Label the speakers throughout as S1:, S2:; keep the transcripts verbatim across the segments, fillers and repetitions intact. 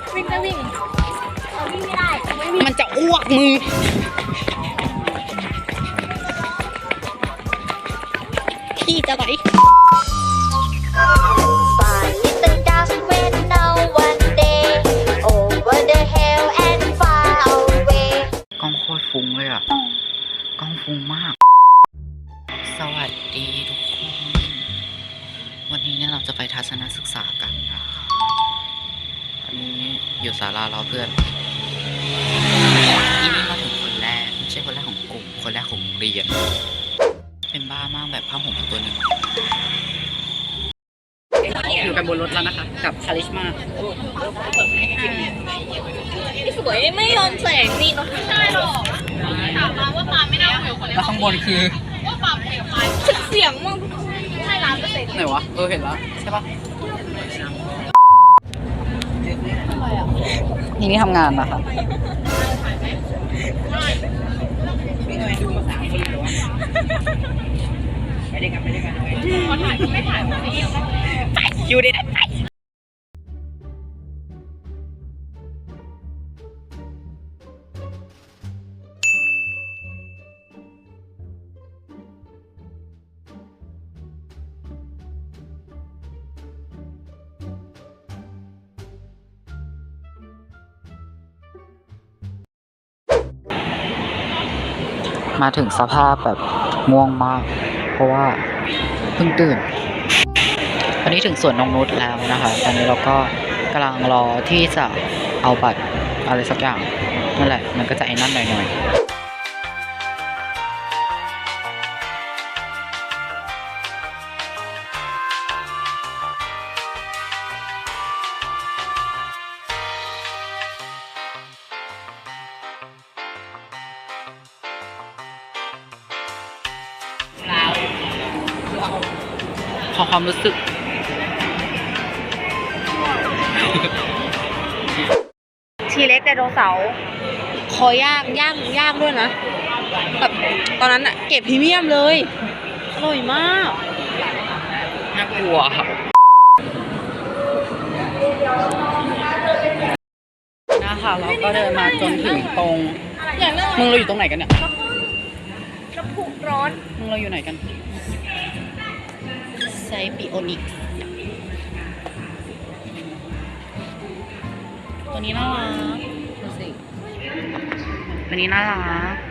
S1: วิ่งได้วิ่งเอาวิ่งไม่ได้ไม่วิ่ง
S2: มันจะอ้วกมึงขี้จะไหล
S1: Little dust went now one day over the hill and far away
S2: กล้องโคตรฟุ้งเลยอ่ะกล้องฟุ้งมาก สวัสดีทุกคน วันนี้เนี่ยเราจะไปทัศนศึกษากันนะคะวันนี้อยู่ศาลารอเพื่อนอีนี่มาถึงคนแรกไม่ใช่คนแรกของกลุ่มคนแรกของเรียน เป็นบ้ามากแบบผ้าห่มตัวหนึ่งอยู่กันบนรถแล้วนะคะกับคาริชมา
S1: สวยไม่ยอมแสงนี่น้องไม่ได้หรอกถามมาว่าปาไม่ได้เหวคน
S2: แล้วข้างบนคือ
S1: ว่าปาเหวใครเสียงมึงใช่ร้านเปอร์เซ็นต์
S2: ไหนวะ เออเห็นแล้วใช่ปะนี่นี่ทำงานนะคะไปด้วยกันไปด้วยกันขอถ่ายไม่ถ่ายไม่ยิงไปอยู่ดีนะไปมาถึงสภาพแบบง่วงมากเพราะว่าเพิ่งตื่นตอนนี้ถึงสวนนงนุชแล้วนะคะตอนนี้เราก็กำลังรอที่จะเอาบัตรอะไรสักอย่างนั่นแหละมันก็จะไอ้นั่นหน่อยๆขอความรู้สึก
S1: ทีเล็กไดโนเสาร์คอย่างย่างย่างด้วยนะแบบตอนนั้นอะเก็บพรีเมียมเลยอร่อยมาก
S2: น่ากลัวนะคะเราก็เดินมาจนถึงตรงมึงเราอยู่ตรงไหนกันเนี่ย
S1: น้ำพุร้อน
S2: มึงเราอยู่ไหนกันไซปิโอนิกตัวนี้น่ารักดูสิตัวนี้น่ารัก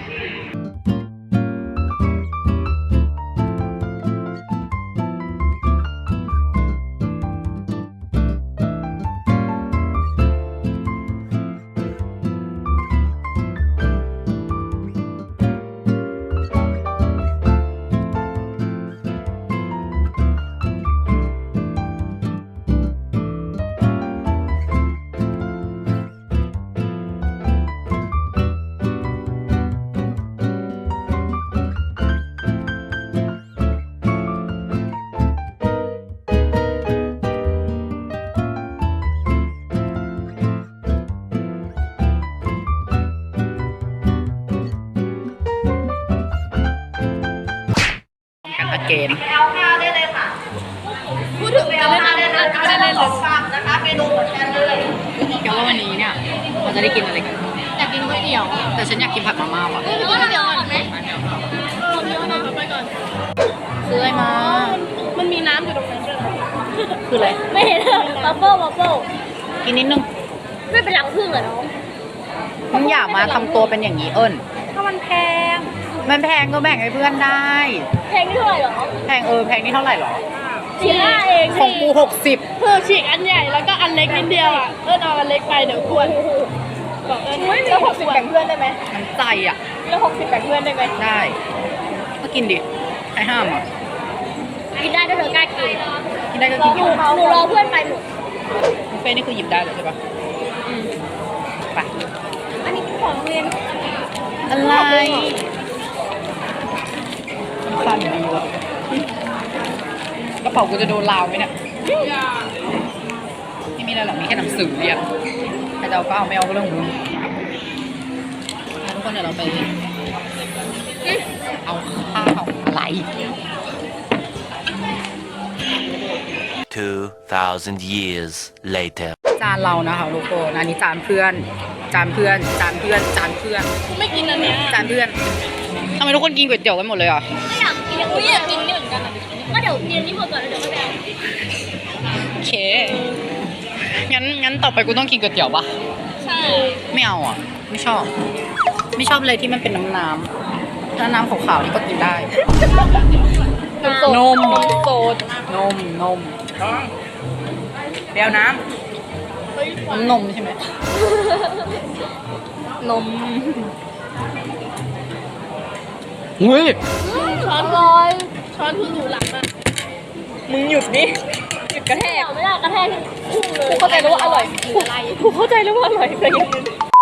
S2: เกม
S1: เอาข้าวได้เลยค่ะพูดถึงจะเล่นอะไรนะไม่ได้เล่นเลยนะคะเมนูเหมือนกันเลย
S2: แกว่าวันนี้เนี่ยเราจะได้กินอะไรกัน
S1: อยากกินก๋วยเตี๋ยว
S2: แต่ฉันอยากกินผัดมาม่าว่ะ
S1: เออก๋วยเตี๋ยวก่อนไหมเออเดี๋ยวนะไปก่อน
S2: ซื้ออะไรมา
S1: มันมีน้ำอยู่ตรงนั้นด้วย
S2: คืออะไร
S1: ไม่เห็นบัฟเฟิลบัฟเฟิล
S2: กินนิดนึง
S1: ไม่เป็นรังผึ้งเหรอน้อง
S2: มึงอย่ามาทำตัวเป็นอย่างนี้เอิญ
S1: ถ้ามันแพง
S2: มันแพงก็แบ่งให้เพื่อนได้
S1: แพงนี่เท่าไหร่หรอ
S2: แพงเออแพงนี่เท่าไหร่หรอ
S1: ฉีกห้าเอง
S2: ของกูหกสิบ
S1: คือฉีกอันใหญ่แล้วก็อันเล็กนิดเดียวอ่ะเอิญเอาอันเล็กไปเดี๋ยวควรบอกเอิญแล้วหกสิบแบ่งเพื่อนได้ไหม
S2: มันใจอ่ะ
S1: แล้วหกสิบแบ่งเพื่อนได้ไหม
S2: ได้ก็กินดิใครห้ามอ่ะ
S1: กินได้ถ้าเธอกล้ากิน
S2: กินได้ก็กิน
S1: หนูหนูรอเพื่อนไปหมด
S2: บุฟเฟ่นี่คือหยิบได้เลยใช่ปะไป
S1: อันนี้ของโรงเรียน
S2: อะไรสั่นดีว่ะกระเป๋ากูจะโดนลาวไหมเนี่ยไม่มีอะไรหรอกมีแค่หนังสือเรียนใครจะเอาก็เอาไม่เอาก็เรื่องของมึงทุกคนเดี๋ยวเราไปเอาข้าวอะไร
S3: two thousand years later
S2: จานเรานะคะทุกคนอันนี้จานเพื่อน จานเพื่อน จานเพื่อน จานเพื่อน
S1: กูไม่กินอันเนี้ย
S2: จานเพื่อนทำไมทุกคนกินก๋วยเตี๋ยวกันหมดเลยอ่ะ
S3: ไม่อยากกินอุ้ยอยากกินนี่เหมือนกันอ่ะก็เดี๋ยวเรียนนี่หมดก่อนแล้วเดี๋ยวก็ไปเอา
S2: โอเค งั้นงั้นต่อไปกูต้องกินก๋วยเตี๋ยวปะ
S3: ใช่
S2: ไม่เอาอ่ะ ไม่ชอบ ไม่ชอบเลยที่มันเป็นน้ำน้ำถ้าน้ำขาวๆนี่ก็กินได้ นม
S1: นมโซด
S2: นม นมเปรี้ยวน้ำน้ำนมใช่ไหม
S1: นม
S2: อุ้ย
S3: ช้อนลอยช้อนคือหนูหลังอ่ะ
S1: มึงหยุดดิหยุดกระแทก
S3: ไม่ได้กระแทกพุ่งเลย
S1: กูเข้าใจแล้วว่าอร่อยกูกูเข้าใจแล้วว่าอร่อยแต่ยัง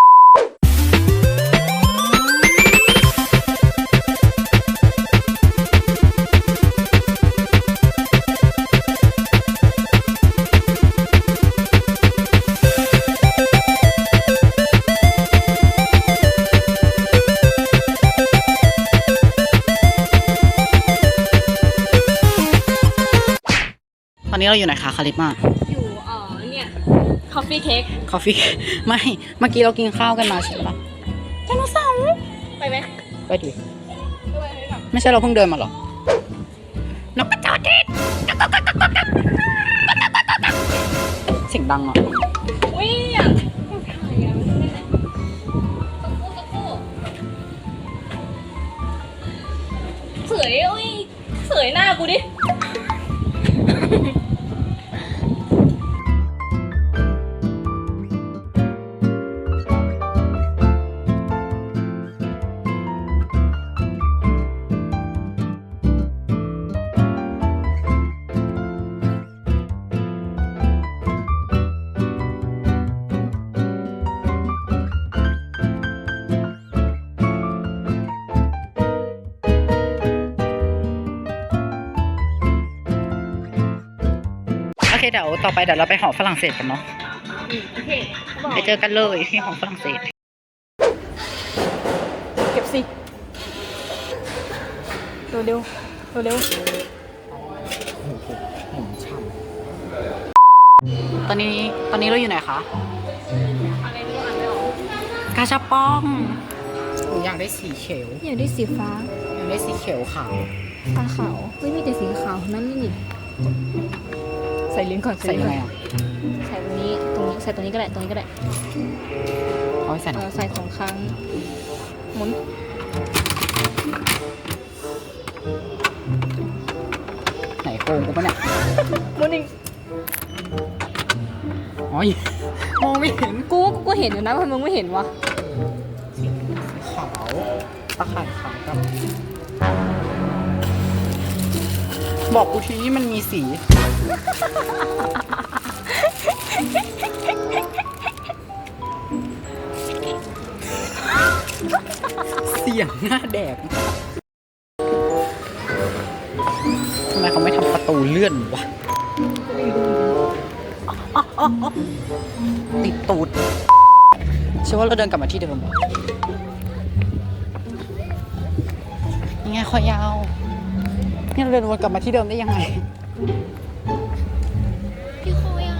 S2: ตอนนี้เราอยู่ไหนคะคาริสมา
S3: อยู่เอ่อเนี่ยคอฟฟี่เค้ก
S2: คอฟฟี่ ไม่ เมื่อกี้เรากินข้าวกันมาใช่ปะไดโนเสาร์
S3: ไปไหม
S2: ไปดิ ไม่ใช่เราเพิ่งเดินมาหรอ นกกระจอกเทศเสียงดังอ่ะ
S3: อุ้ยอยากถ่ายอ่ะตะกู้ตะกู้เสยอุ้ยเสยหน้ากูดิ
S2: โอเคเดี๋ยวต่อไปเดี๋ยวเราไปหอฝรั่งเศสกันเนาะ
S3: โอเคเขาบอก
S2: ไปเจอกันเลยที่หอฝรั่งเศส
S1: เก็บสิเร็วเร็วเร็วเร็ว
S2: ตอนนี้ตอนนี้เราอยู่ไหนคะ
S3: อะไรไม่รู้อ่านไม่ออก
S2: กาชาปองหนูอยากได้สีเขียว
S1: อยากได้สีฟ้า
S2: อยากได้สีเขียวขาว
S1: ฟ้าขาวไม่มีแต่สีขาวนั่นนี่ใส่ลิ้นก่อน
S2: ใส่ยังไงอ่ะ
S1: ใส่ตรงนี้ตรงนี้ใส่ตรงนี้ก็ได้ตรงนี้ก็ได้
S2: เอาไปใส่ห
S1: เอ
S2: น่อ
S1: อย ใส่สองครั้งหมุน
S2: ไหนโกงกูปะเนี่ย
S1: หมุนอีก
S2: อ๋อมองไม่เห็น
S1: กูกูก็เห็นอยู่นะทำไมมึงไม่เห็นวะ
S2: ขาวตะข่ายขาวกับบอกกูทีนี่มันมีสี เสียงหน้าแดกทำไมเขาไม่ทำประตูเลื่อนวะอ๊อกอ๊อกอ๊อกติดตูดเชื่อว่าเราเดินกลับมาที่เดิมยังไงคอยาวนี่เราเดินวนกลับมาที่เดิมได้ยังไง
S3: พี่โคยัง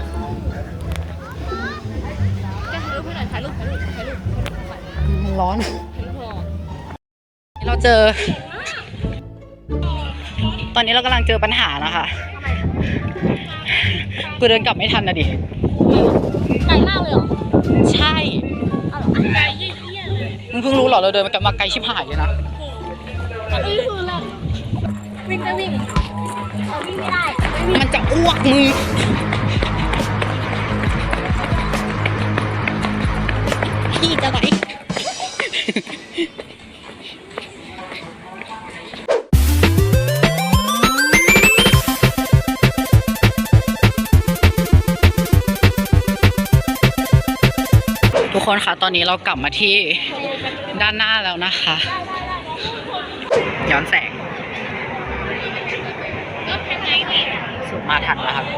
S3: แกถ่ายรูปให้หน่อยถ่ายรูปถ่ายรูปถ่ายรูป
S2: มันร้อน
S3: ถ่ายรูปถ่ายรูป
S2: เราเจอ ตอนนี้เรากำลังเจอปัญหานะคะ กูเดินกลับไม่ทันนะดิ
S3: ไกลมากเลยเหรอ
S2: ใช่
S3: อ้าวเหรอไกลเยี่ยๆเลย
S2: มึงเพิ่งรู้เหรอเราเดินมากลับมาไกลชิบหายเลยนะ
S3: อันนี้คืออะไรวิ่งก็วิ่งเอาวิ่งไม่ได้ไม่วิ่ง
S2: มันจะอ้วกมึงพี่จะไหนทุกคนคะตอนนี้เรากลับมาที่ด้านหน้าแล้วนะคะ ย้อนแสงสุดมาทันแล้วครับ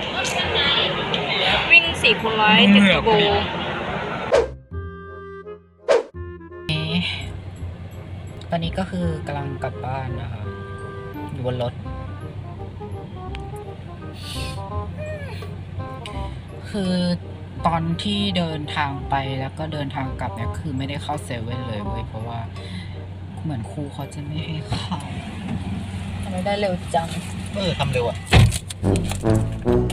S1: วิ่งสี่คูณร้อยติดเทอร์โบ
S2: ตอนนี้ก็คือกำลังกลับบ้านนะคะอยู่บนรถ คือตอนที่เดินทางไปแล้วก็เดินทางกลับเนี่ยคือไม่ได้เข้าเซเว่นเลยเว้ยเพราะว่าเหมือนครูเขาจะไม่ให้เข้า
S1: ทำไมได้เร็วจัง
S2: เออทำเร็วอ่ะ